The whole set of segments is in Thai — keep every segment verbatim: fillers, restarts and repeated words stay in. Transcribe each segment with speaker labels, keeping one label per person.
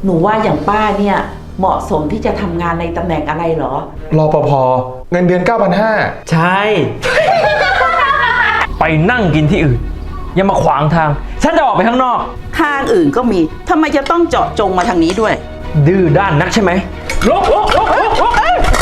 Speaker 1: หนูว่าอย่างป้าเนี่ยเหมาะสมที่จะทำงานในตำแหน่งอะไรเหรอ
Speaker 2: รปภเงินเดือน เก้าพันห้าร้อย
Speaker 3: ใช่ ไปนั่งกินที่อื่นอย่ามาขวางทางฉันจะออกไปข้างนอก
Speaker 1: ทางอื่นก็มีทำไมจะต้องเจาะจงมาทางนี้ด้วย
Speaker 3: ดื้อด้านนักใช่ไหมลุกลุกลุกลุกลุก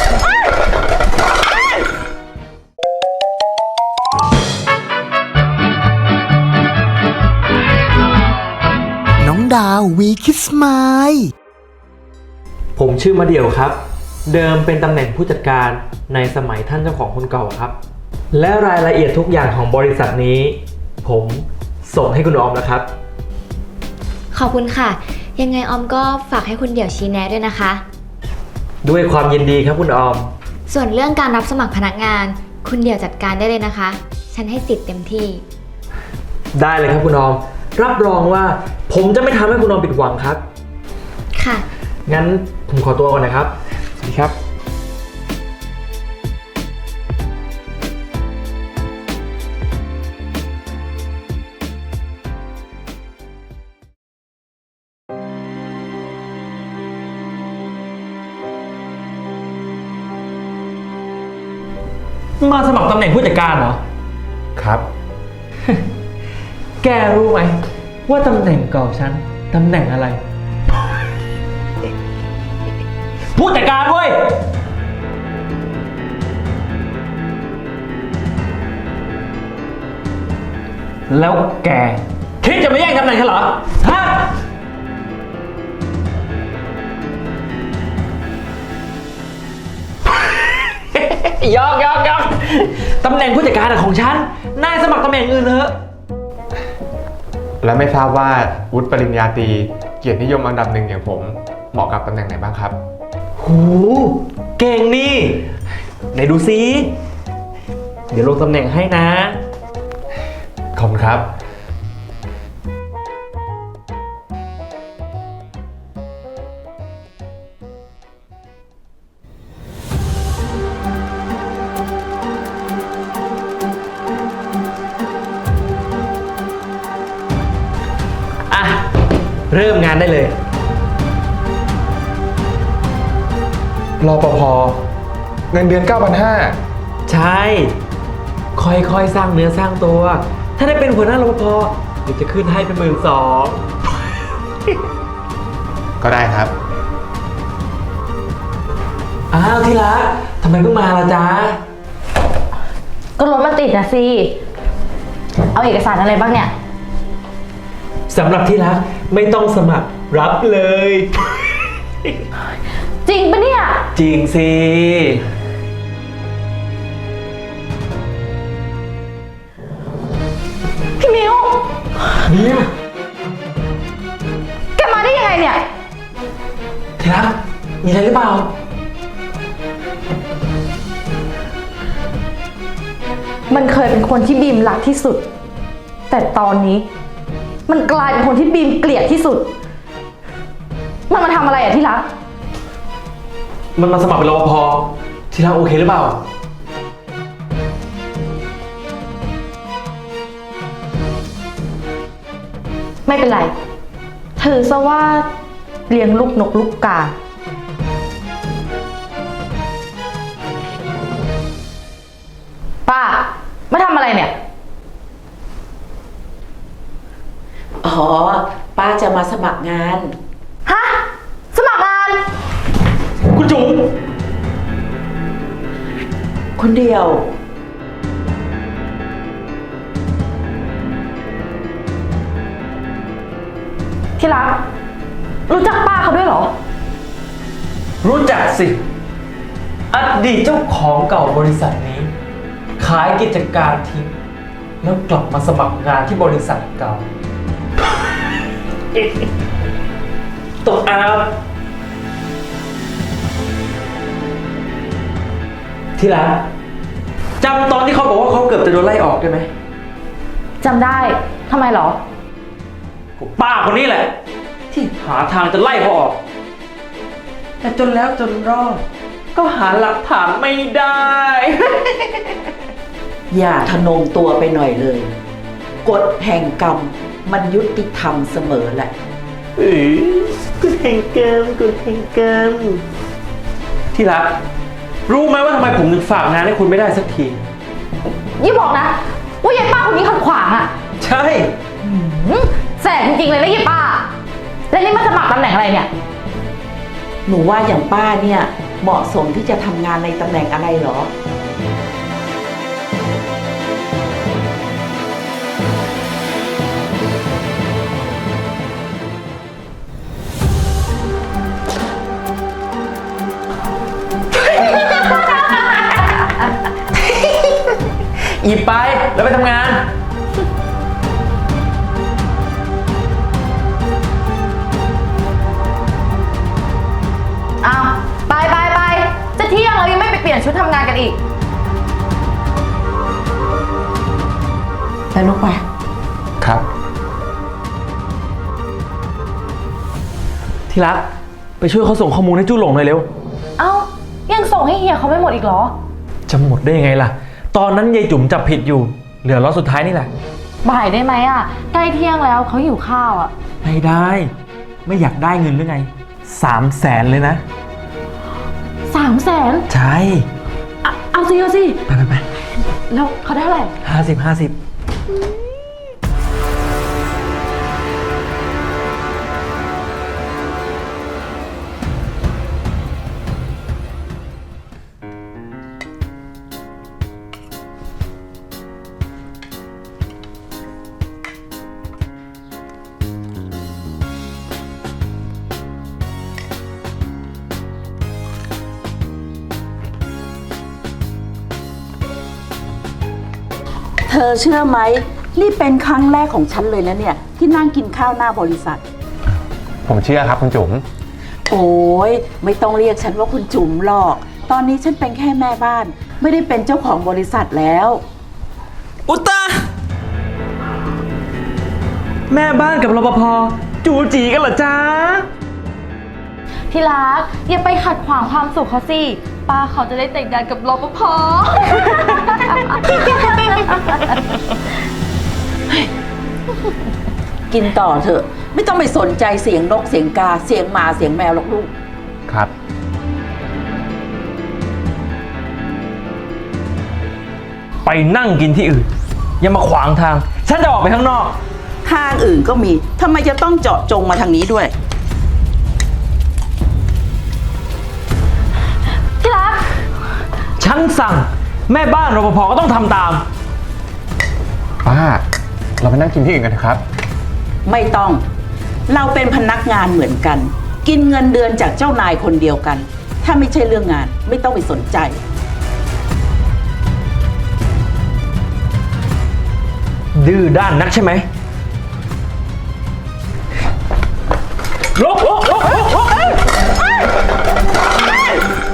Speaker 4: น้องดาววีคิสไมล์
Speaker 3: ผมชื่อมาเดี่ยวครับเดิมเป็นตำแหน่งผู้จัดการในสมัยท่านเจ้าของคนเก่าครับและรายละเอียดทุกอย่างของบริษัทนี้ผมส่งให้คุณออมแล้วครับ
Speaker 5: ขอบคุณค่ะยังไงออมก็ฝากให้คุณเดี่ยวชี้แนะด้วยนะคะ
Speaker 3: ด้วยความยินดีครับคุณออม
Speaker 5: ส่วนเรื่องการรับสมัครพนักงานคุณเดี่ยวจัดการได้เลยนะคะฉันให้สิทธิ์เต็มที่
Speaker 3: ได้เลยครับคุณออมรับรองว่าผมจะไม่ทำให้คุณออมผิดหวังครับ
Speaker 5: ค่ะ
Speaker 3: งั้นผมขอตัวก่อนนะครับสวัสดีครับมาสมัครตำแหน่งผู้จัดการเหรอ
Speaker 2: ครับ
Speaker 3: แกรู้ไหมว่าตำแหน่งเก่าฉันตำแหน่งอะไรผู้จัดการเว้ยแล้วแกคิดจะมาแย่งตำแหน่งฉันเหรอฮะยอกยอกยอกตำแหน่งผู้จัดการของฉันนายสมัครตำแหน่งอื่นเถอะ
Speaker 2: และไม่ทราบว่าวุฒิปริญญาตรีเกียรตินิยมอันดับหนึ่งอย่างผมเหมาะกับตำแหน่งไหนบ้างครับ
Speaker 3: หูเก่งนี่ไหนดูซิเดี๋ยวลงตำแหน่งให้นะ
Speaker 2: ขอบคุณครับ
Speaker 3: อ่ะเริ่มงานได้เลย
Speaker 2: รปภเงินเดือน เก้าพันห้าร้อย
Speaker 3: ใช่ค่อยๆสร้างเนื้อสร้างตัวถ้าได้เป็นหัวหน้ารปภเดี๋ยวจะขึ้นให้เป็นหมื่นสอง
Speaker 2: ก็ได้ครับ
Speaker 3: อ้าวที่รักทำไมเพิ่งมาล่ะจ๊ะ
Speaker 6: ก็รถมันติดนะสิเอาเอกสารอะไรบ้างเนี่ย
Speaker 3: สำหรับที่รักไม่ต้องสมัครรับเลย
Speaker 6: จริงปะเนี่ย
Speaker 3: จริงสิ
Speaker 6: พี่มิว
Speaker 3: มิว
Speaker 6: แกมาได้ยังไงเนี่ย
Speaker 3: ที่รักมีอะไรหรือเปล่า
Speaker 6: มันเคยเป็นคนที่บีมรักที่สุดแต่ตอนนี้มันกลายเป็นคนที่บีมเกลียดที่สุดมันมาทำอะไรอะที่รัก
Speaker 3: มันมาสมัครเป็นรปภที่รักโอเคหรือเปล่า
Speaker 6: ไม่เป็นไรถือซะว่าเลี้ยงลูกนกลูกกาป้ามาทำอะไรเนี่ย
Speaker 1: อ๋อป้าจะมาสมัครงาน
Speaker 6: ฮะสมัครงาน
Speaker 3: คุณจุ๋ม
Speaker 1: คนเดียว
Speaker 6: ที่รักรู้จักป้าเขาด้วยเหรอ
Speaker 3: รู้จักสิอดีตเจ้าของเก่าบริษัทนี้ขายกิจการทิ้งแล้วกลับมาสมัครงานที่บริษัทเก่าตกอาบที่รักจำตอนที่เขาบอกว่าเขาเกือบจะโดนไล่ออกได้ไหม
Speaker 6: จำได้ทำไมเหรอ
Speaker 3: ป้าคนนี้แหละที่หาทางจะไล่เขาออกแต่จนแล้วจนรอดก็หาหลักฐานไม่ได้
Speaker 1: อย่าทะนงตัวไปหน่อยเลยกฎแห่งกรรมมันยุติธรรมเสมอแหละ
Speaker 3: เอ้ยกุดแห่งเกิมกุดแห่งเกิมที่รักรู้ไหมว่าทำไมผมถึงฝากงานให้คุณไม่ได้สักที
Speaker 6: ยี่บอกนะว่ายายป้าคนนี้ขัดขวางอะ
Speaker 3: ใช่
Speaker 6: หืมแสบจริงๆเลยนะยายป้า แล้วนี่มาสมัครตำแหน่งอะไรเนี่ย
Speaker 1: หนูว่าอย่างป้าเนี่ยเหมาะสมที่จะทำงานในตำแหน่งอะไรเหรอ
Speaker 3: หยิบไปแล้วไปทำงาน
Speaker 6: อ้าวไปไปไปจะเที่ยงเรายังไม่ไปเปลี่ยนชุดทำงานกันอีก
Speaker 1: ไปลูกไป
Speaker 2: ครับ
Speaker 3: ที่รักไปช่วยเขาส่งข้อมูลให้จู้หลงหน่อยเร็ว
Speaker 6: เอ้ายังส่งให้เฮียเขาไม่หมดอีกเหรอ
Speaker 3: จะหมดได้ยังไงล่ะ ตอนนั้นยายจุ๋มจับผิดอยู่ เหลือล็อตสุดท้ายนี่แหละ
Speaker 6: บ่ายได้ไหมอะใกล้เที่ยงแล้วเขาหิวข้าวอะ
Speaker 3: ไม่ได้ ไม่อยากได้เงินหรือไงสามแสนเลยนะ
Speaker 6: สามแสน
Speaker 3: ใช่
Speaker 6: เอาสิเอาสิ
Speaker 3: ไปไปไป
Speaker 6: แล้วเขาได้เท่าไหร่
Speaker 3: ห้าสิบห้าสิบ
Speaker 1: เธอเชื่อไหมนี่เป็นครั้งแรกของฉันเลยนะเนี่ยที่นั่งกินข้าวหน้าบริษัท
Speaker 2: ผมเชื่อครับคุณจุ๋ม
Speaker 1: โอ้ยไม่ต้องเรียกฉันว่าคุณจุ๋มหรอก ตอนนี้ฉันเป็นแค่แม่บ้าน ไม่ได้เป็นเจ้าของบริษัทแล้ว
Speaker 3: อุตตาแม่บ้านกับรปภจูจีกันเหรอจ๊ะ
Speaker 6: ที่รักอย่าไปขัดขวางความสุขเขาสิป้าเขาจะได้แต่งงานกับรปภ
Speaker 1: กินต่อเถอะ ไม่ต้องไปสนใจเสียงนกเสียงกาเสียงหมาเสียงแมวหรอกลูก
Speaker 2: ครับ
Speaker 3: ไปนั่งกินที่อื่น อย่ามาขวางทาง ฉันจะออกไปข้างนอก
Speaker 1: ทางอื่นก็มีทำไมจะต้องเจาะจงมาทางนี้ด้วย
Speaker 6: ที่รัก
Speaker 3: ฉันสั่งแม่บ้านรปภก็ต้องทำตาม
Speaker 2: ป้า เราไปนั่งกินที่อื่นกันเถอะครับ
Speaker 1: ไม่ต้อง เราเป็นพนักงานเหมือนกัน กินเงินเดือนจากเจ้านายคนเดียวกัน ถ้าไม่ใช่เรื่องงานไม่ต้องไปสนใจ
Speaker 3: ดื้อด้านนักใช่ไหมลกลกลกลกลกเอ้ยเอ้ยเอ้ย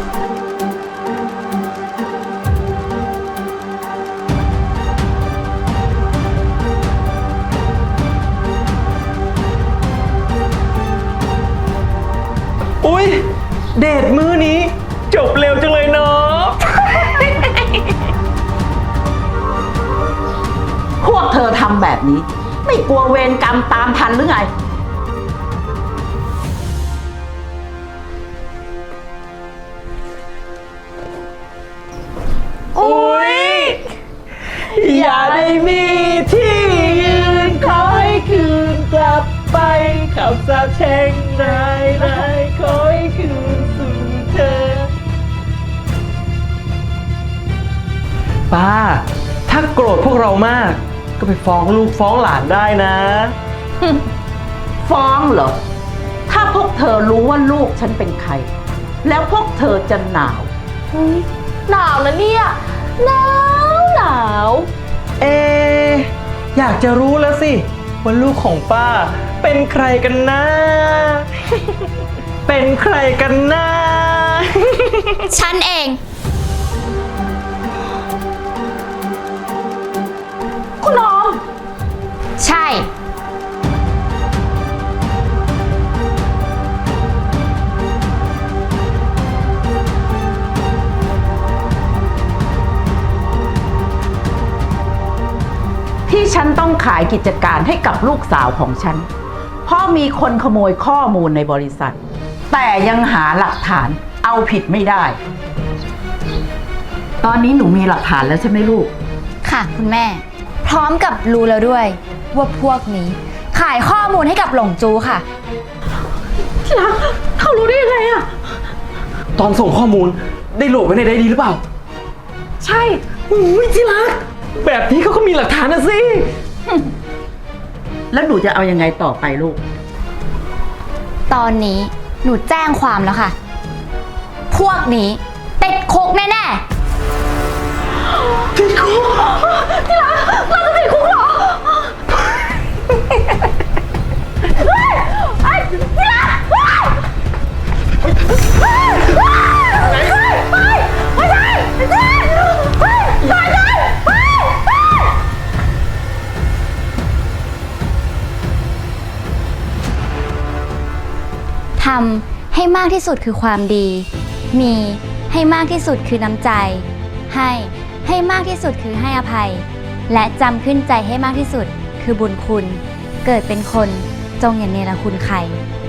Speaker 3: อุ๊ย เดทมื้อนี้จบเร็วจังเลยเนาะ
Speaker 1: พวกเธอทำแบบนี้ ไม่กลัวเวรกรรมตามทันหรือไง
Speaker 3: อุ๊ย อย่าได้มีที่ยืนขอให้คืนกลับไปคำสาปแช่งนายนายขอให้คืนสู่เธอ ป้า ถ้าโกรธพวกเรามาก ก็ไปฟ้องลูกฟ้องหลานได้นะ
Speaker 1: ฟ้องเหรอ ถ้าพวกเธอรู้ว่าลูกฉันเป็นใคร แล้วพวกเธอจะหนาว
Speaker 6: หนาวนะเนี่ย หนาวหนาว
Speaker 3: เอ อยากจะรู้แล้วสิว่าลูกของป้าเป็นใครกันนะ เป็นใครกันนะ
Speaker 5: ฉันเอง
Speaker 6: คุณน้อง
Speaker 5: ใช่
Speaker 1: ที่ฉันต้องขายกิจการให้กับลูกสาวของฉันเพราะมีคนขโมยข้อมูลในบริษัท แต่ยังหาหลักฐานเอาผิดไม่ได้ ตอนนี้หนูมีหลักฐานแล้วใช่ไหมลูก
Speaker 5: ค่ะคุณแม่ พร้อมกับรู้แล้วด้วย ว่าพวกนี้ ขายข้อมูลให้กับหลงจูค่ะ
Speaker 6: เขารู้ได้ยังไงอะ
Speaker 3: ตอนส่งข้อมูลได้โหลดไว้ในไดอารี่หรือเปล่า
Speaker 6: ใช่อุ้ยที่รัก
Speaker 3: แบบนี้เขาก็มีหลักฐานนะสิ
Speaker 1: แล้วหนูจะเอายังไงต่อไปลูก
Speaker 5: ตอนนี้หนูแจ้งความแล้วค่ะ พวกนี้ติดคุกแน่ๆ
Speaker 6: ติดคุกที่รักเราจะติดคุกเหรอเฮ้ยไอ้ที่รักเฮ้ยเฮ้ยเฮ้ยเฮ้ยเฮ้ยไม่ใช่ไม่ใช่เฮ้ยตายเลยเฮ้ยเฮ้ย
Speaker 5: ทำให้มากที่สุดคือความดี มีให้มากที่สุดคือน้ำใจ ให้ให้มากที่สุดคือให้อภัย และจำขึ้นใจให้มากที่สุดคือบุญคุณ เกิดเป็นคนจงอย่าเนรคุณใคร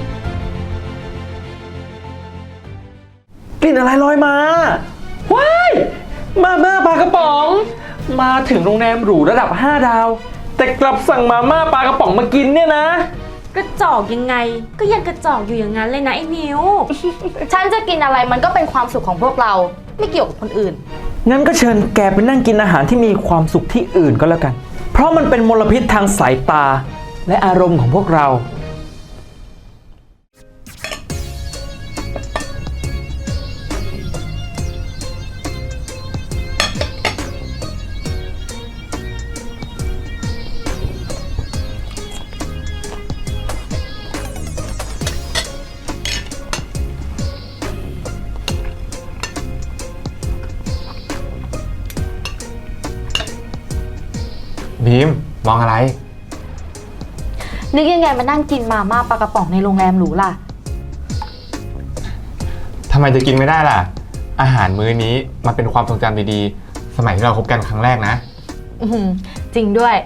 Speaker 3: กลิ่นอะไรลอยมา ว้าย มาม่าปลากระป๋อง มาถึงโรงแรมหรูระดับห้าดาว แต่กลับสั่งมาม่าปลากระป๋องมากินเนี่ยนะ
Speaker 7: กระจอกยังไงก็ยังกระจอกอยู่อย่างนั้นเลยนะไอ้มิว
Speaker 6: ฉันจะกินอะไรมันก็เป็นความสุขของพวกเราไม่เกี่ยวกับคนอื่น
Speaker 3: งั้นก็เชิญแกไปนั่งกินอาหารที่มีความสุขที่อื่นก็แล้วกัน เพราะมันเป็นมลพิษทางสายตาและอารมณ์ของพวกเรา
Speaker 2: บีมมองอะไร
Speaker 6: นึกยังไงมานั่งกินมาม่าปลากระป๋องในโรงแรมหรูล่ะ
Speaker 2: ทำไมจะกินไม่ได้ล่ะ อาหารมื้อนี้มันเป็นความทรงจำดีๆ สมัยที่เราคบกันครั้งแรกนะ
Speaker 6: อือหือจริงด้วย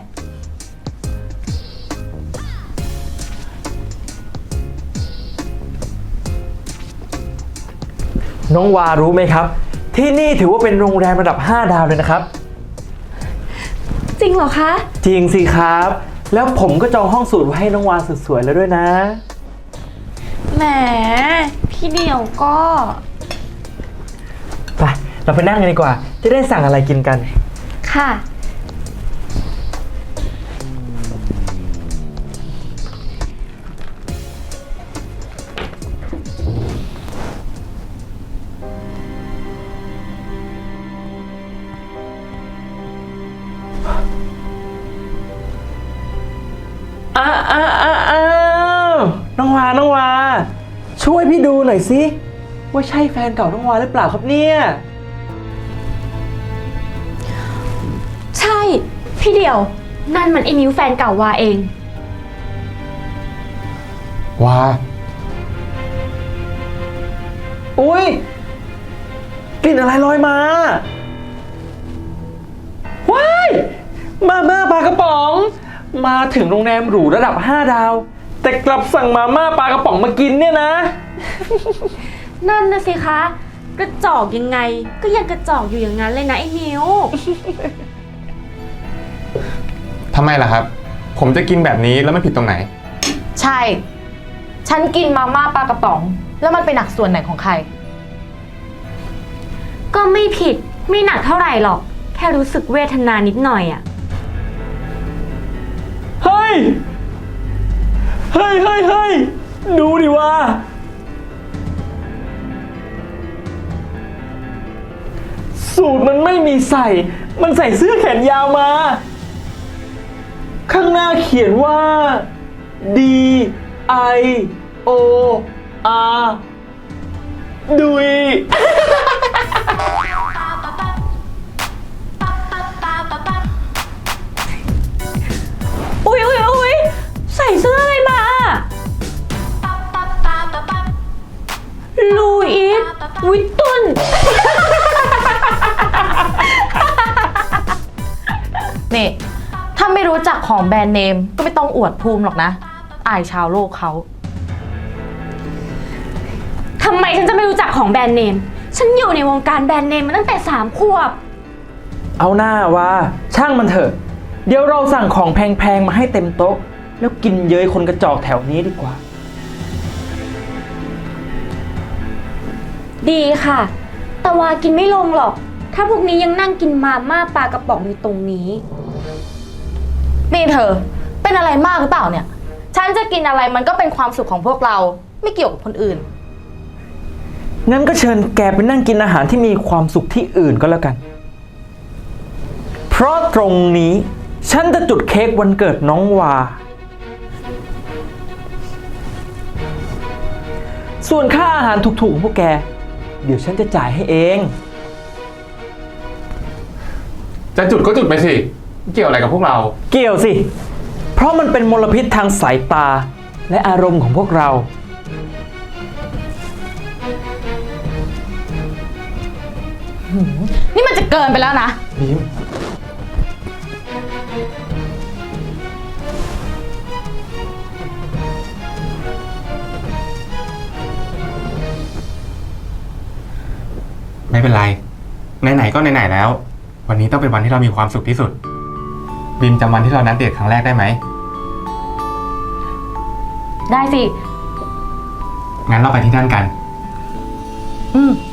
Speaker 3: น้องวารู้ไหมครับ ที่นี่ถือว่าเป็นโรงแรมระดับห้าดาวเลยนะครับ
Speaker 7: จริงเหรอคะ
Speaker 3: จริงสิครับ แล้วผมก็จองห้องสูตรไว้ให้น้องวาสุดสวยแล้วด้วยนะ
Speaker 7: แหม พี่เดียวก็
Speaker 3: ไป เราไปนั่งกันดีกว่า จะได้สั่งอะไรกินกัน
Speaker 5: ค่ะ
Speaker 3: อ้าอ้าอ้าอ้าวน้องวา น้องวา ช่วยพี่ดูหน่อยสิ ว่าใช่แฟนเก่าน้องวาหรือเปล่าครับเนี่ย
Speaker 7: ใช่ พี่เดียว นั่นมันไอ้มิวแฟนเก่าวาเอง
Speaker 2: ว่า
Speaker 3: อุ้ยกลิ่นอะไรลอยมา ว้าย มาม่าปลากระป๋อง มาถึงโรงแรมหรูระดับห้าดาว แต่กลับสั่งมาม่าปลากระป๋องมากินเนี่ยนะ
Speaker 7: นั่นนะสิคะ กระจอกยังไงก็ยังกระจอกอยู่อย่างนั้นเลยนะไอ้มิว
Speaker 2: ทำไมล่ะครับ ผมจะกินแบบนี้แล้วไม่ผิดตรงไหน
Speaker 6: ใช่ ฉันกินมาม่าปลากระป๋อง แล้วมันเป็นหนักส่วนไหนของใคร
Speaker 7: ก็ไม่ผิดไม่หนักเท่าไหร่หรอก แค่รู้สึกเวทนานิดหน่อยอะ
Speaker 3: เฮ้ย เฮ้ยเฮ้ยเฮ้ยดูดิว่า สูตรมันไม่มีใส่ มันใส่เสื้อแขนยาวมา ข้างหน้าเขียนว่า D I O R ดุย
Speaker 7: อุ๊ยอุ๊ยอุ๊ยใส่เสื้ออะไรมาลูอิสวิตตุน
Speaker 6: นี่ ถ้าไม่รู้จักของแบรนด์เนมก็ไม่ต้องอวดภูมิหรอกนะ ออายชาวโลกเขา
Speaker 7: ทำไมฉันจะไม่รู้จักของแบรนด์เนม ฉันอยู่ในวงการแบรนด์เนมมาตั้งแต่สามขวบ
Speaker 3: เอาหน้าว่าช่างมันเถอะ เดี๋ยวเราสั่งของแพงๆมาให้เต็มโต๊ะ แล้วกินเย้ยคนกระจอกแถวนี้ดีกว่า
Speaker 7: ดีค่ะ แต่ว่ากินไม่ลงหรอก ถ้าพวกนี้ยังนั่งกินมาม่าปลากระป๋องอยู่ตรงนี้
Speaker 6: นี่เธอ เป็นอะไรมากหรือเปล่าเนี่ย ฉันจะกินอะไรมันก็เป็นความสุขของพวกเรา ไม่เกี่ยวกับคนอื่น
Speaker 3: งั้นก็เชิญแกไปนั่งกินอาหารที่มีความสุขที่อื่นก็แล้วกัน เพราะตรงนี้ฉันจะจุดเค้กวันเกิดน้องวา ส่วนค่าอาหารถูกๆของพวกแก เดี๋ยวฉันจะจ่ายให้เอง
Speaker 2: จะจุดก็จุดไปสิ เกี่ยวอะไรกับพวกเรา
Speaker 3: เกี่ยวสิ เพราะมันเป็นมลพิษทางสายตาและอารมณ์ของพวกเรา
Speaker 6: นี่มันจะเกินไปแล้วนะ
Speaker 2: บีม ไม่เป็นไร ไหนๆก็ไหนๆแล้ว วันนี้ต้องเป็นวันที่เรามีความสุขที่สุด บีมจำวันที่เรานัดเดทครั้งแรกได้ไหม
Speaker 6: ได้สิ
Speaker 2: งั้นเราไปที่นั่นกัน
Speaker 6: อืม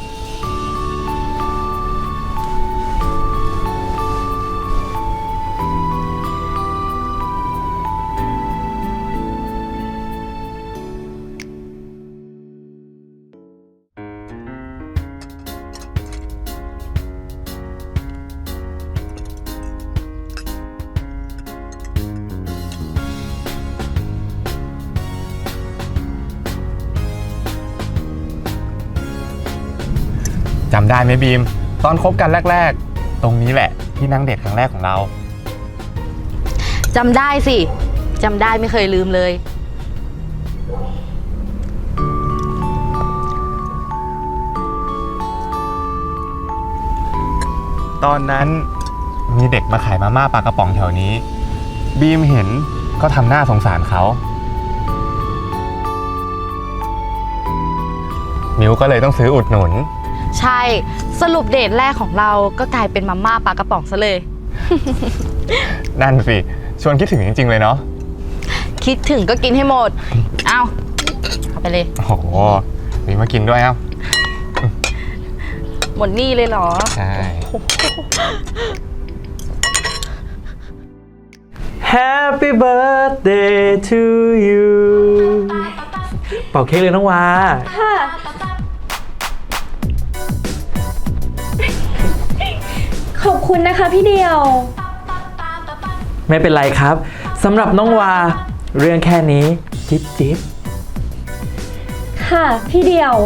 Speaker 2: จำได้ไหมบีม ตอนคบกันแรกๆ ตรงนี้แหละที่นั่งเดทครั้งแรกของเรา
Speaker 6: จำได้สิ จำได้ไม่เคยลืมเลย
Speaker 2: ตอนนั้นมีเด็กมาขายมาม่าปลากระป๋องแถวนี้ บีมเห็นก็ทำหน้าสงสารเขา มิวก็เลยต้องซื้ออุดหนุน
Speaker 6: ใช่ สรุปเดทแรกของเราก็กลายเป็นมาม่าปลากระป๋องซะเลย
Speaker 2: นั่นสิ ชวนคิดถึงจริงๆเลยเนาะ
Speaker 6: คิดถึงก็กินให้หมด เอาเอาไปเลย
Speaker 2: โอ้โหมีมากินด้วยเอ้า
Speaker 6: หมดนี่เลยเหรอ
Speaker 2: ใช่
Speaker 3: Happy birthday to you เป่าเค้กเลยน้องวา
Speaker 7: ค่ะ ขอบคุณนะคะพี่เดียว
Speaker 3: ไม่เป็นไรครับสำหรับน้องวา เรื่องแค่นี้ จิ๊บจิ๊บ
Speaker 7: ค่ะพี่เดียว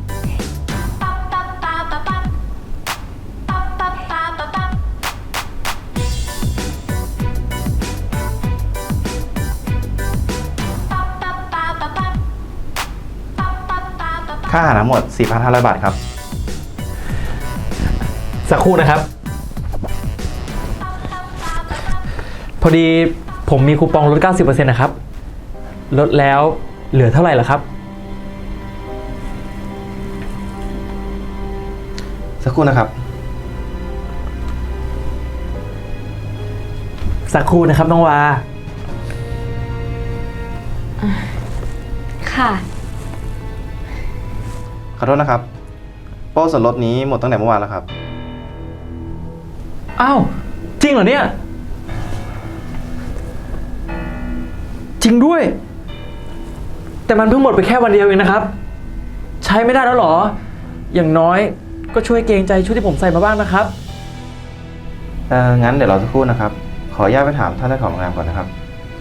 Speaker 8: ค่าอาหารทั้งหมด สี่พันห้าร้อย บาทครับ
Speaker 3: สักครู่นะครับ พอดีผมมีคูปองลด เก้าสิบเปอร์เซ็นต์ นะครับ ลดแล้วเหลือเท่าไหร่ล่ะครับ
Speaker 8: สักครู่นะครับ
Speaker 3: สักครู่นะครับน้องวา
Speaker 7: ค่ะ
Speaker 8: ขอโทษนะครับ โปรส่วนลดนี้หมดตั้งแต่เมื่อวานแล้วครับ
Speaker 3: อ้าว จริงเหรอเนี่ย จริงด้วย แต่มันเพิ่งหมดไปแค่วันเดียวเองนะครับ ใช้ไม่ได้แล้วเหรอ อย่างน้อยก็ช่วยเกรงใจชุดที่ผมใส่มาบ้างนะครับ
Speaker 8: เอองั้นเดี๋ยวรอสักครู่นะครับ ขออนุญาตไปถามท่านเจ้าของโรงแรมก่อนนะครับ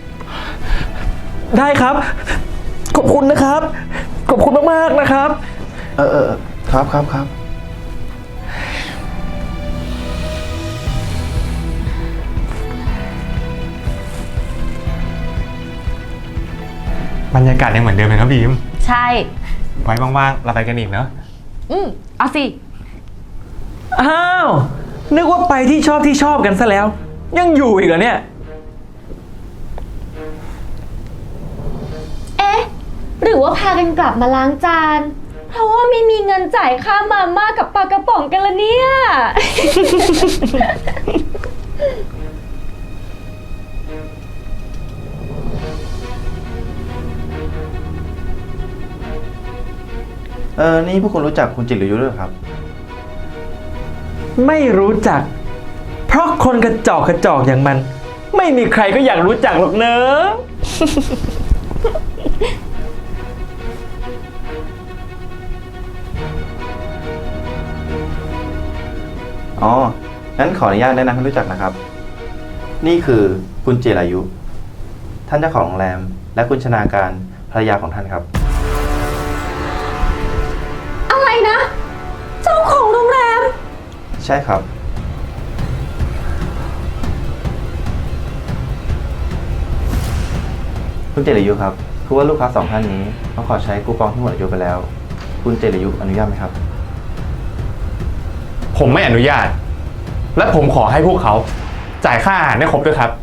Speaker 3: ได้ครับ ขอบคุณนะครับ ขอบคุณมากๆนะครับ
Speaker 8: เออเออเออครับครับครับ
Speaker 2: บรรยากาศยังเหมือนเดิมเลยนะบีม
Speaker 6: ใช่
Speaker 2: ไว้ว่างๆ เราไปกันอีกเนาะ
Speaker 6: อืมเอาสิ
Speaker 3: อ้าว นึกว่าไปที่ชอบที่ชอบกันซะแล้ว ยังอยู่อีกเหรอเนี่ย
Speaker 7: รือว่าพากันกลับมาล้างจาน เพราะว่าไม่มีเงินจ่ายค่ามาม่ากับปลากระป๋องกันละเนี่ย
Speaker 8: เออ นี่พวกคุณรู้จักคุณจิตรยุด้วยเหรอครับ
Speaker 3: ไม่รู้จัก เพราะคนกระจอกกระจอกอย่างมัน ไม่มีใครก็อยากรู้จักหรอกเนอะ
Speaker 8: อ๋อ งั้นขออนุญาตแนะนำให้รู้จักนะครับ นี่คือคุณจิรายุ ท่านเจ้าของโรงแรม และคุณชนาการภรรยาของท่านครับ
Speaker 7: อะไรนะ เจ้าของโรงแรม
Speaker 8: ใช่ครับ คุณเจริยุครับ คือว่าลูกค้าสองท่านนี้ต้องขอใช้คูปองที่หมดอายุไปแล้ว คุณเจริยุอนุญาตไหมครับ
Speaker 2: ผมไม่อนุญาต และผมขอให้พวกเขาจ่ายค่าอาหารให้ครบด้วยครับ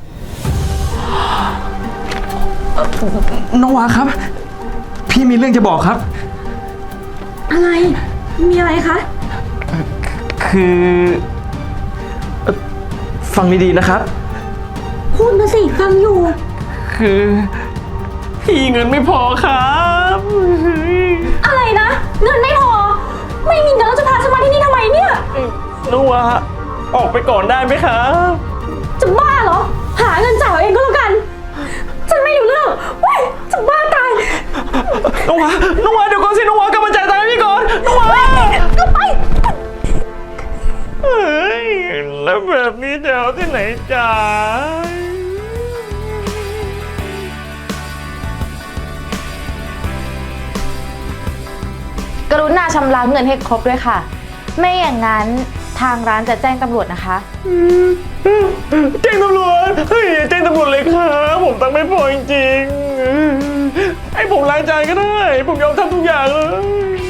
Speaker 3: น้องวาครับ พี่มีเรื่องจะบอกครับ
Speaker 7: อะไร มีอะไรคะ
Speaker 3: คือเอ่อฟังดีๆนะครับ
Speaker 7: พูดมาสิ ฟังอยู่
Speaker 3: คือพี่เงินไม่พอครับ
Speaker 7: อะไรนะ เงินไม่พอ ไม่มีเงินแล้วจะพาฉันมาที่นี่ทำไมเนี่ย
Speaker 3: น้องวาออกไปก่อนได้ไหมครับ
Speaker 7: จะบ้าเหรอ หาเงินจ่ายเอาเองก็แล้วกัน ฉันไม่รู้เรื่องเว้ยจะบ้าตาย
Speaker 3: น้องวาน้องวาเดี๋ยวก่อนสิน้องวากลับมาจ่ายตังค์ให้พี่ก่อนน้องวา
Speaker 7: ก็ไป
Speaker 3: เฮ้ยแล้วแบบนี้จะเอาที่ไหนจ่าย
Speaker 6: กรุณาชำระเงินให้ครบด้วยค่ะ ไม่อย่างนั้นทางร้านจะแจ้งตำรวจนะคะ
Speaker 3: แจ้งตำรวจเฮ้ยอย่าแจ้งตำรวจเลยครับผมตังค์ไม่พอจริงๆให้ผมล้างจานก็ได้ ผมยอมทำทุกอย่างเลย